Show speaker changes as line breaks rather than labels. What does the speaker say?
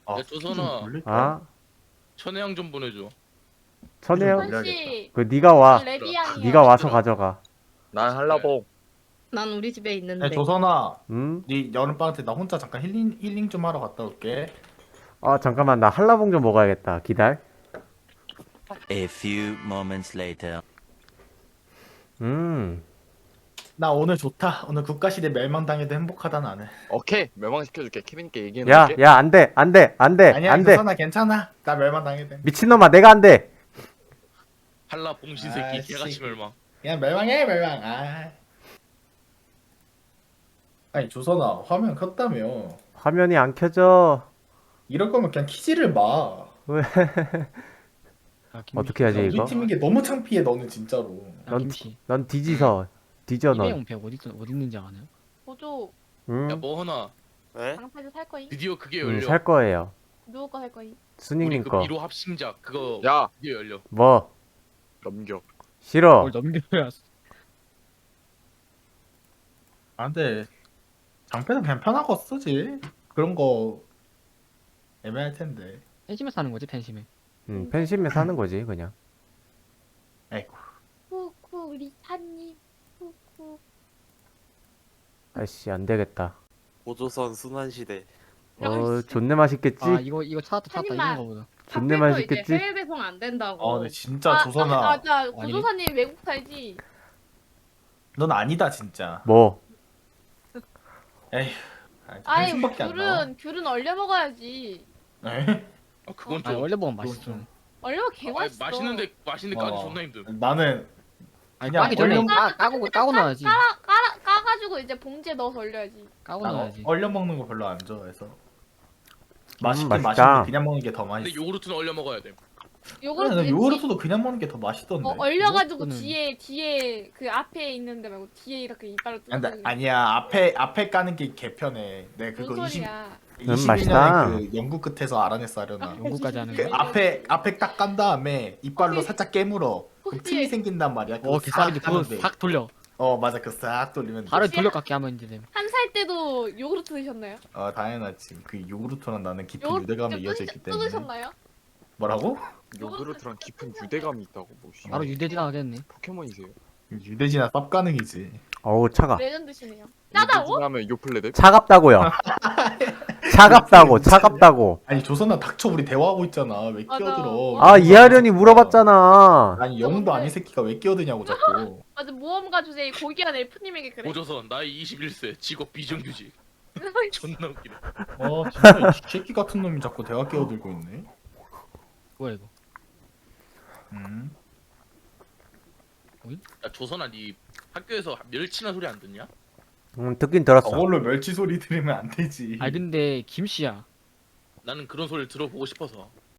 아,
야, 조선아.
아,
천혜향 좀 보내줘.
천혜요?
한씨
그 네가 와.
레비앙이요.
네가 와서 가져가.
난 한라봉.
난 우리 집에
야,
있는데.
조선아,
응?
네 여름방학 때 나 혼자 잠깐 힐링 좀 하러 갔다 올게.
아, 잠깐만. 나 한라봉 좀 먹어야겠다. 기다려.
A few moments later.
나 오늘 좋다. 오늘 국가시대 멸망당해도 행복하다 나는.
오케이, 멸망시켜줄게. 케빈님께
야,
얘기해놓을게.
야, 안 돼. 안 돼. 안 돼.
아니야,
안 돼.
조선아 괜찮아. 나 멸망당해도.
미친놈아, 내가 안 돼.
한라 봉신 새끼
아이씨.
개같이 멸망.
그냥 멸망해 멸망. 아. 아니 조선아 화면 켰다며.
화면이 안 켜져.
이럴 거면 그냥 키지를 마.
왜?
야, 김씨.
어떻게 하지,
우리
이거?
팀인 게 너무 창피해 너는 진짜로.
야,
넌-
김씨.
넌 뒤지서. 뒤져, 넌.
이배용 백 어디 있는지 아나요?
보조
응?
야, 뭐 하나.
네?
방패도 살 거임?
드디어 그게
응,
열려.
살 거예요.
누구 거 살 거임?
우리
수닝님
그
거.
미로 합심작 그거
야,
드디어 열려.
뭐?
넘겨.
싫어.
뭘 넘겨야.
아 근데 장패는 그냥 편하고 쓰지. 그런 거 애매할 텐데.
팬심에 사는 거지 팬심에.
팬심에 사는 거지, 그냥.
아이고.
쿠쿠 리타님 쿠쿠.
아이씨, 안 되겠다.
고조선 순환시대.
존내 맛있겠지?
아 이거 찾았다
한
이런
입만.
거보다.
존내
이제
맛있겠지?
해외 배송 안 된다고.
아 근데 진짜 조선아.
맞아. 고조사님 외국 살지.
넌 아니다 진짜.
뭐?
에휴.
아이
한숨밖에 안 나와.
귤은 얼려 먹어야지.
에이?
그건
아
좀.
원래 먹으면 맛있어.
얼려 개
아니,
맛있어.
맛있는데 까기
어.
존나 힘듦.
나는
아니
그냥
까기 전에
얼려-
까고 넣어야지.
까가지고 이제 봉지에 넣어서 얼려야지.
까고
난
넣어야지.
얼려 먹는 거 별로 안 좋아해서. 맛있긴
맛있다.
맛있는데 그냥 먹는 게 더
근데
맛있어.
요구르트는 얼려 먹어야 돼.
요거는
요거르트도 그냥 먹는 게 더 맛있던데.
얼려가지고
요거트는-
뒤에 그 앞에 있는데 말고 뒤에 이렇게 이빨로
근데
뜯어서
아니야 앞에 까는 게 개편해. 내 그거
뭔
20
소리야.
21년에
맛있다.
그 연구 끝에서 알아냈어 하려나.
연구까지 하는
그
거.
앞에 딱 깐 다음에 이빨로
혹시-
살짝 깨물어. 그럼
혹시-
틈이 생긴단 말이야. 그거
개싸리지
싹
그거
까면 돼.
싹 돌려.
맞아 그거 싹 돌리면 돼.
발을
혹시-
돌려깎기 하면 이제 돼.
한 살 때도 요구르트 드셨나요?
당연하지. 그 요구르트랑 나는 깊은
요구르트
유대감이 이어져 있기 때문에.
뜯으셨나요?
뭐라고?
요구르트랑 깊은 유대감이 있다고 뭐. 씨.
바로 유대지나 하겠네.
포켓몬이세요?
유대지나 쌉 가능이지.
어우, 차가.
레전드시네요. 짜다고?
하면 요플레데?
차갑다고요. 차갑다고, 차갑다고.
아니 조선아 닥쳐 우리 대화하고 있잖아. 왜
맞아.
끼어들어?
아, 이하련이 물어봤잖아.
아니 영도 아닌 새끼가 왜 끼어드냐고 자꾸.
맞아 모험가 주제에 고귀한 엘프님에게 그래.
고조선 나이 21세 직업 비정규직. 존나 웃기네.
진짜 이 새끼 같은 놈이 자꾸 대화 끼어들고 있네.
뭐야 이거?
야, 조선아 니 학교에서 멸치나 소리 안 듣냐?
듣긴 들었어.
저걸로 멸치 소리 들으면 안 되지.
아 근데 김씨야.
나는 그런 소리를 들어보고 싶어서.